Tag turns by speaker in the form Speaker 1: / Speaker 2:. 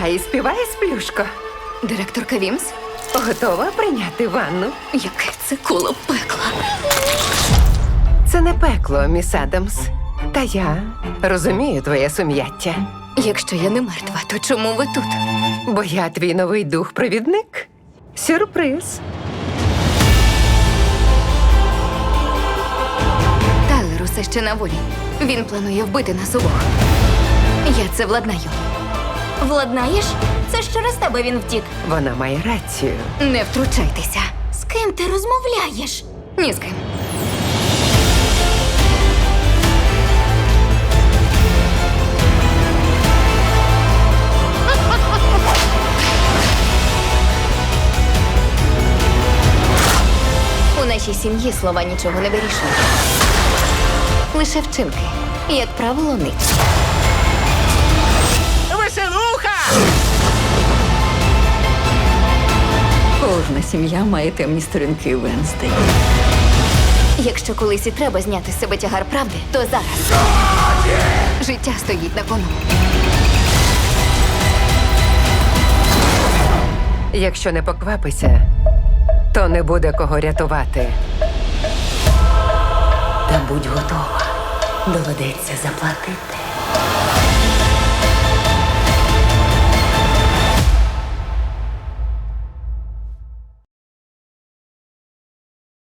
Speaker 1: Вставай і співай, сплюшко.
Speaker 2: Директорка Вімс?
Speaker 1: Готова прийняти ванну?
Speaker 2: Яке це коло пекла.
Speaker 1: Це не пекло, міс Адамс. Та я розумію твоє сум'яття.
Speaker 2: Якщо я не мертва, то чому ви тут?
Speaker 1: Бо я твій новий дух-провідник. Сюрприз.
Speaker 2: Тайлер усе ще на волі. Він планує вбити нас обох. Я це владнаю.
Speaker 3: Владнаєш? Це ж через тебе він втік.
Speaker 1: Вона має рацію.
Speaker 2: Не втручайтеся.
Speaker 3: З ким ти розмовляєш?
Speaker 2: Ні з ким. У нашій сім'ї слова нічого не вирішують. Лише вчинки, як правило, ниць.
Speaker 1: Веселуха!
Speaker 4: Кожна сім'я має темні сторінки Венздей.
Speaker 2: Якщо колись і треба зняти з себе тягар правди, то зараз. Життя стоїть на кону.
Speaker 1: Якщо не поквапися, то не буде кого рятувати.
Speaker 4: Та будь готова. Доведеться заплатити.